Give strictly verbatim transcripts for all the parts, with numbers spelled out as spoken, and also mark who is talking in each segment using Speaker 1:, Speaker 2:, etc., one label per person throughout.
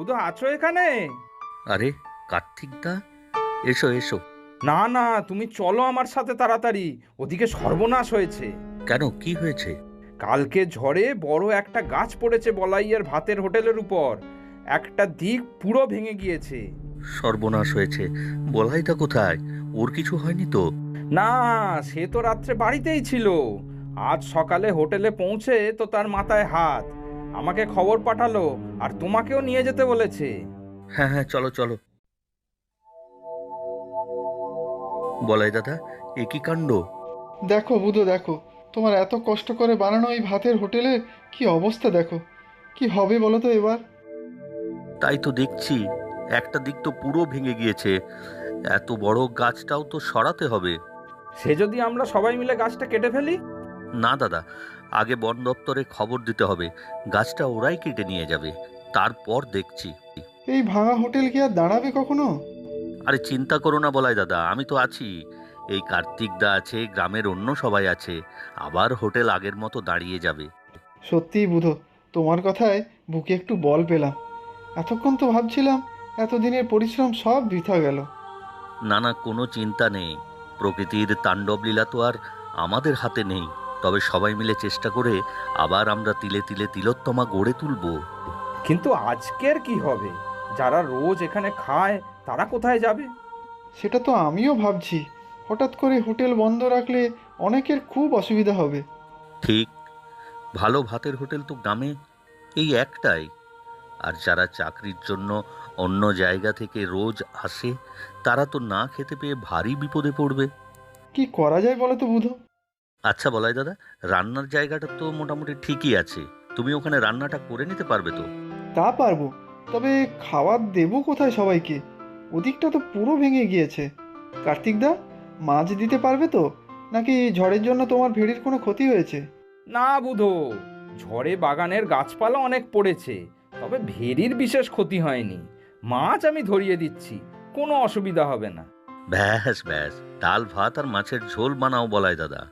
Speaker 1: বুধু আছো এখানে?
Speaker 2: আরে, কার্তিক দা, এসো এসো।
Speaker 1: না না, তুমি চলো আমার সাথে তাড়াতাড়ি, ওদিকে সর্বনাশ হয়েছে।
Speaker 2: কেন, কি হয়েছে?
Speaker 1: কালকে ঝড়ে বড় একটা গাছ পড়েছে বলাইয়ের ভাতের হোটেলের উপর। একটা দিক পুরো ভেঙে গিয়েছে।
Speaker 2: সর্বনাশ হয়েছে? বলাইদা কোথায়? ওর কিছু হয়নি তো?
Speaker 1: না, সে তো রাত্রে বাড়িতেই ছিল। আজ সকালে হোটেলে পৌঁছে তো তার মাথায় হাত। আমাকে খবর পাঠালো আর তোমাকেও নিয়ে যেতে বলেছে।
Speaker 2: হ্যাঁ হ্যাঁ, চলো চলো। বলাই দাদা, এ কি কাণ্ড!
Speaker 3: দেখো বুধো, দেখো তোমার এত কষ্ট করে বানানো এই ভাতের হোটেলের কি অবস্থা দেখো। কি হবে বলো তো এবার?
Speaker 2: তাই তো দেখছি, একটা দিক তো পুরো ভেঙে গিয়েছে। এত বড় গাছটাও তো সরাতে হবে।
Speaker 1: সে যদি আমরা সবাই মিলে গাছটা কেটে ফেলি?
Speaker 2: না দাদা, আগে বন দপ্তরে খবর দিতে হবে। গাছটা ওরাই কেটে নিয়ে যাবে, তারপর দেখছি।
Speaker 3: এই ভাঙা হোটেল কি আর দাঁড়াবে কখনো?
Speaker 2: আরে চিন্তা করো না বলাই দাদা, আমি তো আছি। এই কার্তিক দা আছে, গ্রামের অন্য সবাই আছে। আবার হোটেল আগের মতো দাঁড়িয়ে যাবে।
Speaker 3: সত্যিই বুধো, তোমার কথায় বুকে একটু বল পেলাম। এতক্ষণ তো ভাবছিলাম এতদিনের পরিশ্রম সব বৃথা গেল।
Speaker 2: না না, কোনো চিন্তা নেই। প্রকৃতির তাণ্ডব লীলা তো আর আমাদের হাতে নেই। তবে সবাই মিলে চেষ্টা করে আবার আমরা তিলে তিলে তিলোত্তমা গড়ে তুলব।
Speaker 1: কিন্তু আজকের কি হবে? যারা রোজ এখানে খায় তারা কোথায় যাবে?
Speaker 3: সেটা তো আমিও ভাবছি। হঠাৎ করে হোটেল বন্ধ রাখলে অনেকের খুব অসুবিধা হবে।
Speaker 2: ঠিক, ভালো ভাতের হোটেল তো গ্রামে এই একটাই। আর যারা চাকরির জন্য অন্য জায়গা থেকে রোজ আসে, তারা তো না খেতে পেয়ে ভারী বিপদে পড়বে।
Speaker 3: কি করা যায় বলো তো বুধো?
Speaker 2: আচ্ছা বলাই দাদা, রান্নার জায়গাটা তো মোটামুটি ঠিকই আছে। তুমি ওখানে রান্নাটা করে নিতে পারবে তো?
Speaker 3: তা পারবো, তবে খাবার দেবো কোথায় সবাইকে? ওদিকটা তো পুরো ভেঙে গিয়েছে। কার্তিক দা, মাছ দিতে পারবে তো? নাকি ঝড়ের জন্য তোমার ভেড়ির কোনো ক্ষতি হয়েছে?
Speaker 1: না বুধো, ঝড়ে বাগানের গাছপালা অনেক পড়েছে, তবে ভেরির বিশেষ ক্ষতি হয়নি। মাছ আমি ধরিয়ে দিচ্ছি, কোনো অসুবিধা হবে না।
Speaker 2: ব্যাস ব্যাস, ডাল ভাত আর মাছের ঝোল বানাও বলাই দাদা।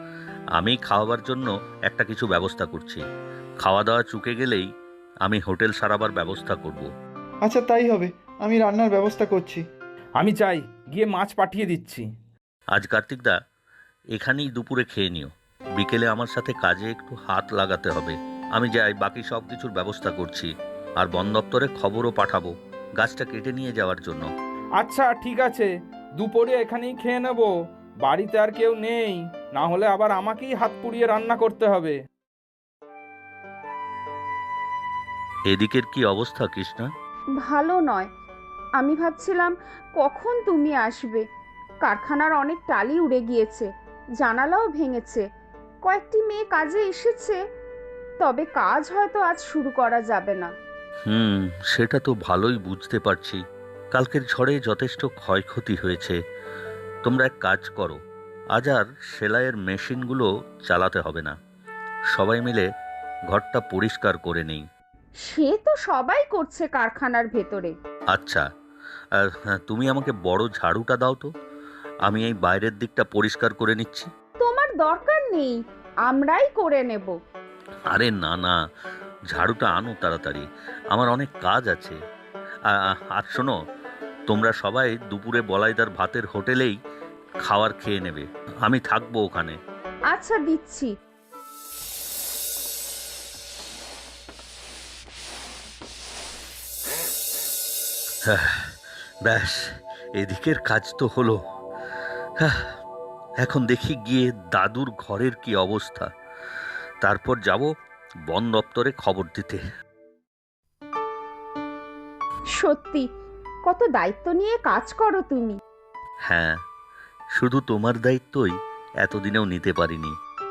Speaker 2: আমি খাওয়াবার জন্য একটা কিছু ব্যবস্থা করছি। খাওয়া দাওয়া চুকে গেলেই আমি হোটেল সারাবার ব্যবস্থা করব।
Speaker 3: আচ্ছা তাই হবে, আমি রান্নার ব্যবস্থা করছি।
Speaker 1: আমি চাই, গিয়ে মাছ পাঠিয়ে দিচ্ছি।
Speaker 2: আজ কার্তিক দা, এখানেই দুপুরে খেয়ে নিও। বিকেলে আমার সাথে কাজে একটু হাত লাগাতে হবে। আমি যাই, বাকি সব কিছুর ব্যবস্থা করছি। আর বন দপ্তরে খবরও পাঠাবো গাছটা কেটে নিয়ে যাওয়ার জন্য।
Speaker 1: আচ্ছা ঠিক আছে, দুপুরে এখানেই খেয়ে নেব। বাড়িতে আর কেউ নেই, না হলে আবার আমাকেই হাত পুড়িয়ে রান্না করতে হবে।
Speaker 2: এদিকের কি অবস্থা কৃষ্ণা?
Speaker 4: ভালো নয়। আমি ভাবছিলাম কখন তুমি আসবে। কারখানার অনেক টালি উড়ে গিয়েছে, জানালাও ভেঙেছে। কয়েকটি মেয়ে কাজে এসেছে, তবে কাজ হয়তো আজ শুরু করা যাবে না।
Speaker 2: হুম, সেটা তো ভালোই বুঝতে পারছি। কালকের ঝড়ে যথেষ্ট ক্ষয়ক্ষতি হয়েছে। তোমরা এক কাজ করো, আজ আর সেলাইয়ের মেশিনগুলো চালাতে হবে না। সবাই মিলে ঘরটা পরিষ্কার করে নেই।
Speaker 4: সে তো সবাই করছে কারখানার ভেতরে।
Speaker 2: আচ্ছা, আর হ্যাঁ, তুমি আমাকে বড় ঝাড়ুটা দাও তো। আমি এই বাইরের দিকটা পরিষ্কার করে নিচ্ছি।
Speaker 4: তোমার দরকার নেই, আমরাই করে নেব।
Speaker 2: আরে না না, ঝাড়ুটা আনো তাড়াতাড়ি, আমার অনেক কাজ আছে। আ- আ- আর শোনো, তোমরা সবাই দুপুরে বলাইদার ভাতের হোটেলেই খাবার খেয়ে নেবে। আমি থাকবো ওখানে।
Speaker 4: আচ্ছা দিচ্ছি।
Speaker 2: হ্যাঁ, ব্যাস, এদিকের কাজ তো হলো। হ্যাঁ, এখন দেখি গিয়ে দাদুর ঘরের কি অবস্থা, তারপর যাব বন দপ্তরে খবর দিতে।
Speaker 4: সত্যি, কত দায়িত্ব নিয়ে কাজ করো তুমি।
Speaker 2: হ্যাঁ, শুধু তোমার দায়িত্বই এতদিনেও নিতে পারিনি।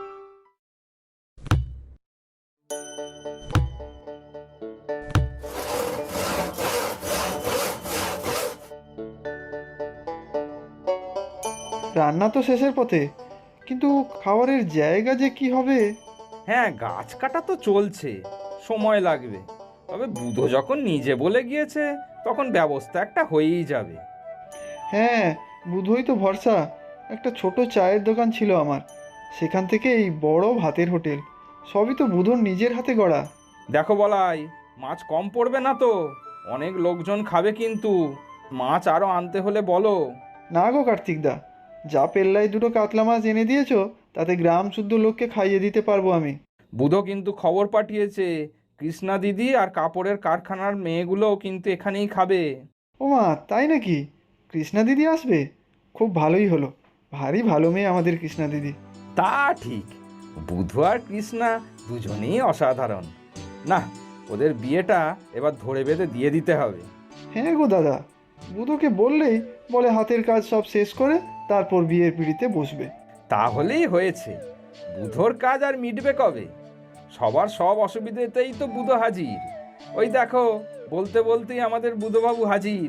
Speaker 3: রান্না তো শেষের পথে, কিন্তু খাবারের জায়গা যে কি হবে!
Speaker 1: হ্যাঁ, গাছ কাটা তো চলছে, সময় লাগবে। তবে বুধো যখন নিজে বলে গিয়েছে, তখন ব্যবস্থা একটা হয়েই যাবে।
Speaker 3: হ্যাঁ, বুধই তো ভরসা। একটা ছোট চায়ের দোকান ছিল আমার, সেখান থেকে এই বড় ভাতের হোটেল, সবই তো বুধর নিজের হাতে গড়া।
Speaker 1: দেখো বলাই, মাছ কম পড়বে না তো? অনেক লোকজন খাবে কিন্তু। মাছ আরও আনতে হলে বলো।
Speaker 3: না গো কার্তিকদা, যা পেল্লায় দুটো কাতলা মাছ এনে দিয়েছো তাতে গ্রাম শুদ্ধ লোককে খাইয়ে দিতে পারবো আমি।
Speaker 1: বুধো কিন্তু খবর পাঠিয়েছে, কৃষ্ণা দিদি আর কাপড়ের কারখানার মেয়েগুলোও কিন্তু এখানেই খাবে।
Speaker 3: ও মা, তাই নাকি? কৃষ্ণা দিদি আসবে? খুব ভালোই হলো, ভারী ভালো মেয়ে আমাদের কৃষ্ণা দিদি।
Speaker 1: তা ঠিক, বুধু আর কৃষ্ণা দুজনেই অসাধারণ। না, ওদের বিয়েটা এবার ধরে বেঁধে দিয়ে দিতে হবে।
Speaker 3: হ্যাঁ গো দাদা, বুধোকে বললেই বলে হাতের কাজ সব শেষ করে তারপর বিয়ের পিঁড়িতে বসবে।
Speaker 1: তাহলেই হয়েছে। বুধোর কাজ আর মিটবে কবে? সবার সব অসুবিধেতেই তো বুধো হাজির। ওই দেখো, বলতে বলতেই আমাদের বুধোবাবু হাজির।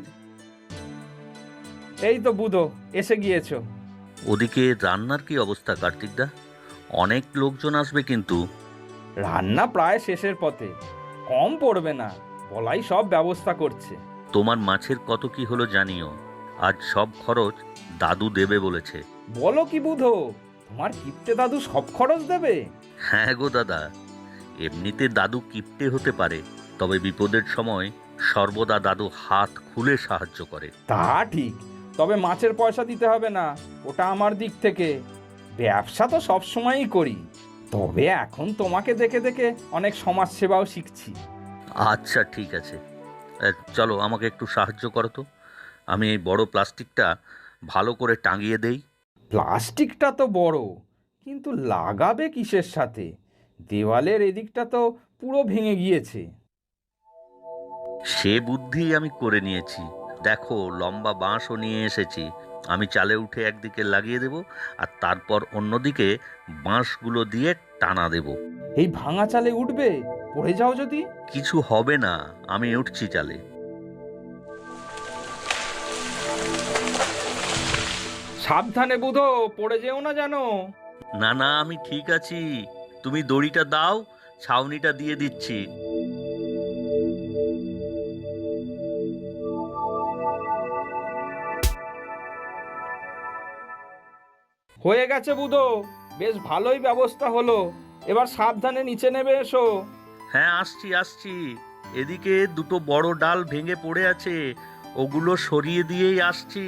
Speaker 1: এই তো বুধো, এসে গিয়েছো।
Speaker 2: ওদিকে রান্নার কি অবস্থা কার্তিকদা? অনেক লোকজন আসবে কিন্তু।
Speaker 1: রান্না প্রায় শেষের পথে, কম পড়বে না, বলাই সব ব্যবস্থা করছে।
Speaker 2: তোমার মাছের কত কি হলো জানিও। আজ সব খরচ দাদু দেবে বলেছে।
Speaker 1: বলো কি বুধো, তোমার কিপ্টে দাদু সব খরচ দেবে?
Speaker 2: হ্যাঁ গো দাদা, এমনিতে দাদু কিপ্টে হতে পারে, তবে বিপদের সময় সর্বদা দাদু হাত খুলে সাহায্য করে।
Speaker 1: তা ঠিক, তবে মাছের পয়সা দিতে হবে না, ওটা আমার দিক থেকে। ব্যবসা তো সব সময়ই করি, তবে এখন তোমাকে দেখে দেখে অনেক সমাজ সেবাও শিখছি।
Speaker 2: আচ্ছা ঠিক আছে, এ, চলো আমাকে একটু সাহায্য করো তো। আমি এই বড় প্লাস্টিকটা ভালো করে টাঙিয়ে দেই।
Speaker 1: প্লাস্টিকটা তো বড়, কিন্তু লাগাবে কিসের সাথে? দেওয়ালের এদিকটা তো পুরো ভেঙে গিয়েছে।
Speaker 2: সে বুদ্ধি আমি করে নিয়েছি। দেখো, লম্বা বাঁশও নিয়ে এসেছি। আমি চালে উঠে একদিকে লাগিয়ে দেব, আর তারপর অন্যদিকে বাঁশগুলো দিয়ে টানা দেব।
Speaker 1: এই ভাঙা চালে উঠবে? পড়ে যাও যদি?
Speaker 2: কিছু হবে না, আমি উঠছি চালে।
Speaker 1: সাবধানে বুধো, পড়ে যেও না জানো।
Speaker 2: না না, আমি ঠিক আছি। তুমি দড়িটা দাও, ছাউনিটা দিয়ে দিচ্ছি।
Speaker 1: হয়ে গেছে বুধো, বেশ ভালোই ব্যবস্থা হলো। এবার সাবধানে নিচে নেবে এসো।
Speaker 2: হ্যাঁ, আসছি আসছি। এদিকে দুটো বড় ডাল ভেঙে পড়ে আছে, ওগুলো সরিয়ে দিয়েই আসছি।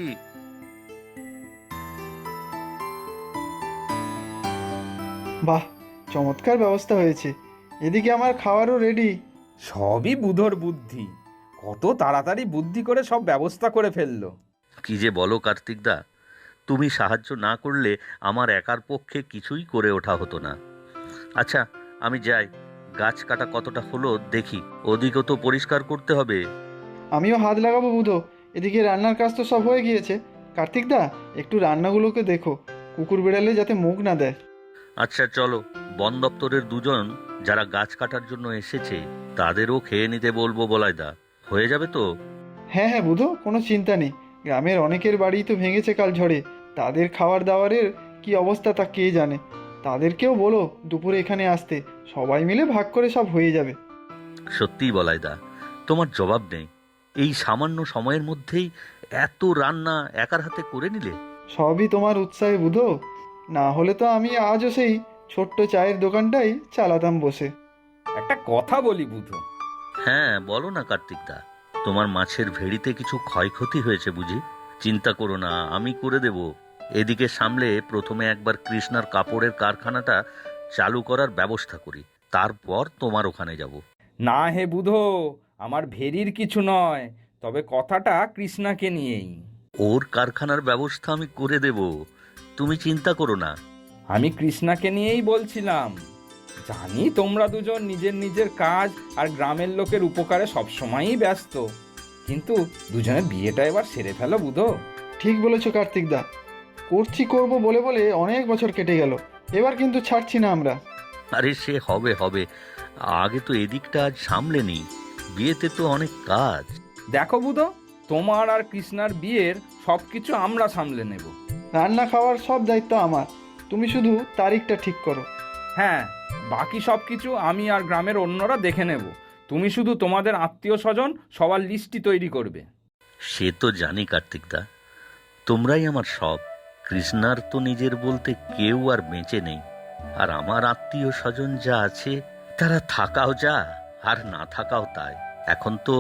Speaker 3: বাহ, চমৎকার ব্যবস্থা হয়েছে। এদিকে আমার খাওয়ারও রেডি।
Speaker 1: সবই বুধোর বুদ্ধি, কত তাড়াতাড়ি বুদ্ধি করে সব ব্যবস্থা করে ফেললো।
Speaker 2: কি যে বলো কার্তিকদা, তুমি সাহায্য না করলে আমার একার পক্ষে কিছুই করে ওঠা হতো না। আচ্ছা, আমি যাই। গাছ কাটা কতটা হলো দেখি, ওদিকও তো পরিষ্কার করতে হবে।
Speaker 3: আমিও হাত লাগাবো বুধো। এদিকে রান্নার কাজ তো সব হয়ে গিয়েছে। কার্তিকদা, একটু রান্নাগুলোকে দেখো, কুকুর বেড়ালে যাতে মুখ না দেয়।
Speaker 2: আচ্ছা চলো, বন দপ্তরের দুজন যারা গাছ কাটার জন্য এসেছে তাদেরও খেয়ে নিতে বলবো বলাইদা। হয়ে যাবে তো?
Speaker 3: হ্যাঁ হ্যাঁ বুধো, কোনো চিন্তা নেই। গ্রামের অনেকের বাড়ি তো ভেঙেছে কাল ঝড়ে, তাদের খাবার দাবারের কি অবস্থা তা কে জানে। তাদেরকেও বলো দুপুরে এখানে আসতে, সবাই মিলে ভাগ করে সব হয়ে যাবে।
Speaker 2: সত্যিই বলাইদা, তোমার জবাব নেই। এই সামান্য সময়ের মধ্যেই এত রান্না একার হাতে করে নিলে।
Speaker 3: সবই তোমার উৎসাহে বুধো, না হলে তো আমি আজও সেই ছোট্ট চায়ের দোকানটাই চালাতাম বসে।
Speaker 1: একটা কথা বলি বুধো।
Speaker 2: হ্যাঁ বলো না কার্তিকদা, তোমার মাছের ভেড়িতে কিছু ক্ষয়ক্ষতি হয়েছে বুঝি? চিন্তা করো না, আমি করে দেব। এদিকে সামলে প্রথমে একবার কৃষ্ণার কাপড়ের কারখানাটা চালু করার ব্যবস্থা করি, তারপর তোমার ওখানে যাব।
Speaker 1: না হে বুধো, আমার ভেরির কিছু নয়, তবে কথাটা কৃষ্ণাকে নিয়েই।
Speaker 2: ওর কারখানার ব্যবস্থা আমি করে দেব, তুমি চিন্তা করো না।
Speaker 1: আমি কৃষ্ণাকে নিয়েই বলছিলাম। জানি তোমরা দুজন নিজের নিজের কাজ আর গ্রামের লোকের উপকারে সবসময়ই ব্যস্ত, কিন্তু দুজনের বিয়েটা এবার সেরে ফেলো বুধো।
Speaker 3: ঠিক বলেছো কার্তিকদা, করছি করব বলে বলে অনেক বছর কেটে গেল, এবার কিন্তু ছাড়ছি না আমরা।
Speaker 2: আরে সে হবে হবে, আগে তো এদিকটা আজ সামলে নি, বিয়েতে তো অনেক কাজ।
Speaker 1: দেখো বুধো, তোমার আর কৃষ্ণার বিয়ের সব কিছু আমরা সামলে নেব।
Speaker 3: রান্না খাওয়ার সব দায়িত্ব আমার, তুমি শুধু তারিখটা ঠিক করো।
Speaker 1: হ্যাঁ, বাকি সব কিছু আমি আর গ্রামের অন্যরা দেখে নেব। তুমি শুধু তোমাদের আত্মীয় স্বজন সবার লিস্টটি তৈরি করবে।
Speaker 2: সে তো জানি কার্তিকদা, তোমরাই আমার সব। কৃষ্ণার তো নিজের বলতে কেউ আর বেঁচে নেই, আর আমার আত্মীয় স্বজন যা আছে তারা থাকাও যা আর না থাকাও তাই। এখন তো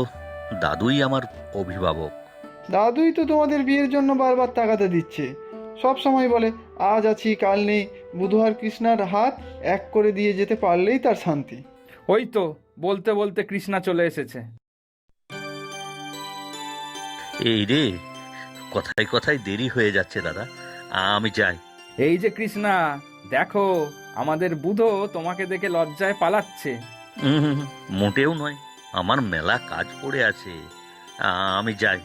Speaker 2: দাদুই আমার অভিভাবক।
Speaker 3: দাদুই তো তোমাদের বিয়ের জন্য বারবার তাগাদা দিচ্ছে, সব সময় বলে আজ আছি কাল নেই, বুধ আর কৃষ্ণার হাত এক করে দিয়ে যেতে পারলেই তার শান্তি।
Speaker 1: ওই তো বলতে বলতে কৃষ্ণা চলে এসেছে।
Speaker 2: এই রে, কথায় কথায় দেরি হয়ে যাচ্ছে দাদা, আমি যাই।
Speaker 1: এই যে কৃষ্ণা, দেখো আমাদের বুধো তোমাকে দেখে লজ্জায় পালাচ্ছে।
Speaker 2: উম, মোটেও নয়, আমার মেলা কাজ পড়ে আছে, আমি যাই।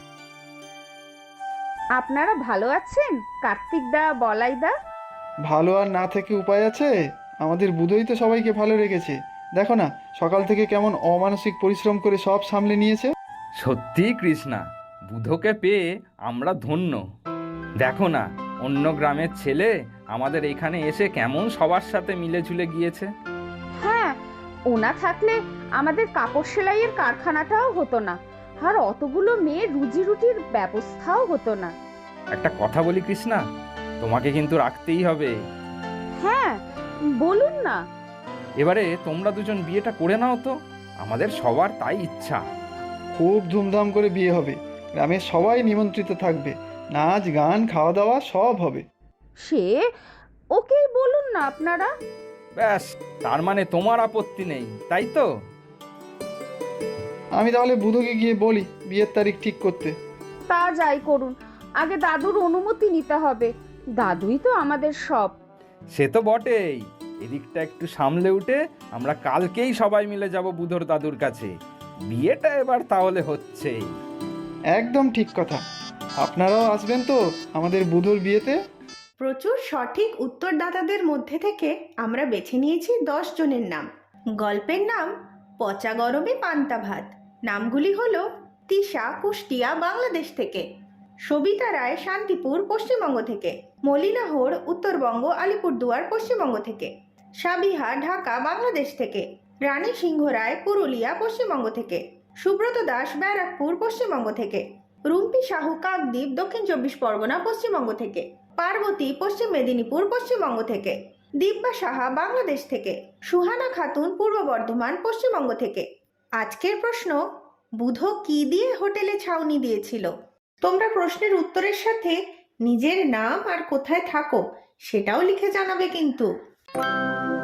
Speaker 4: আপনারা ভালো আছেন কার্তিক দা, বলাই দা?
Speaker 3: ভালো আর না থেকে উপায় আছে? আমাদের বুধই তো সবাইকে ভালো রেখেছে। দেখো না সকাল থেকে কেমন অমানসিক পরিশ্রম করে সব সামলে নিয়েছে।
Speaker 1: সত্যি কৃষ্ণা, বুধোকে পেয়ে আমরা ধন্য। দেখো না অন্য গ্রামের ছেলে আমাদের এখানে এসে কেমন সবার সাথে মিলে ঝুলে গিয়েছে।
Speaker 4: হ্যাঁ, ওনা থাকলে আমাদের কাপড় সেলাইয়ের কারখানাটাও হতো না, আর অতগুলো মেয়ের রুজি রুটির ব্যবস্থাও হতো না।
Speaker 1: একটা কথা বলি কৃষ্ণা, তোমাকে কিন্তু রাখতেই হবে।
Speaker 4: হ্যাঁ, বলুন না।
Speaker 1: এবারে তোমরা দুজন বিয়েটা করে নাও তো, আমাদের সবার তাই ইচ্ছা।
Speaker 3: খুব ধুমধাম করে বিয়ে হবে, গ্রামের সবাই নিমন্ত্রিত থাকবে, নাচ গান খাওয়া দাওয়া সব হবে।
Speaker 4: সে ওকেই বলুন না আপনারা।
Speaker 1: ব্যাস, তার মানে তোমার আপত্তি নেই, তাই তো?
Speaker 3: আমি তাহলে বুধকে গিয়ে বলি বিয়ের তারিখ ঠিক করতে।
Speaker 4: তা যাই করুন, আগে দাদুর অনুমতি নিতে হবে, দাদুই তো আমাদের সব।
Speaker 1: সে তো বটেই, এদিকটা একটু সামলে উঠে আমরা কালকেই সবাই মিলে যাব বুধোর দাদুর কাছে। বিয়েটা এবার তাহলে হচ্ছেই।
Speaker 3: একদম ঠিক কথা। আপনারাও আসবেন তো আমাদের বুধর বিয়েতে?
Speaker 5: প্রচুর সঠিক উত্তরদাতাদের মধ্যে থেকে আমরা বেছে নিয়েছি দশ জনের নাম। গল্পের নাম পচা গরমে পান্তা ভাত। নামগুলি হলো তিশা কুষ্টিয়া বাংলাদেশ থেকে, সবিতা রায় শান্তিপুর পশ্চিমবঙ্গ থেকে, মলিনা হোড় উত্তরবঙ্গ আলিপুরদুয়ার পশ্চিমবঙ্গ থেকে, সাবিহা ঢাকা বাংলাদেশ থেকে, রানী সিংহ রায় পুরুলিয়া পশ্চিমবঙ্গ থেকে, সুব্রত দাস ব্যারাকপুর পশ্চিমবঙ্গ থেকে, রুম্পি সাহু কাকদ্বীপ দক্ষিণ চব্বিশ পরগনা পশ্চিমবঙ্গ থেকে, পার্বতী পশ্চিম মেদিনীপুর পশ্চিমবঙ্গ থেকে, দিব্যা সাহা বাংলাদেশ থেকে, সুহানা খাতুন পূর্ব বর্ধমান পশ্চিমবঙ্গ থেকে। আজকের প্রশ্ন, বুধো কি দিয়ে হোটেলে ছাউনি দিয়েছিল? তোমরা প্রশ্নের উত্তরের সাথে নিজের নাম আর কোথায় থাকো সেটাও লিখে জানাবে কিন্তু।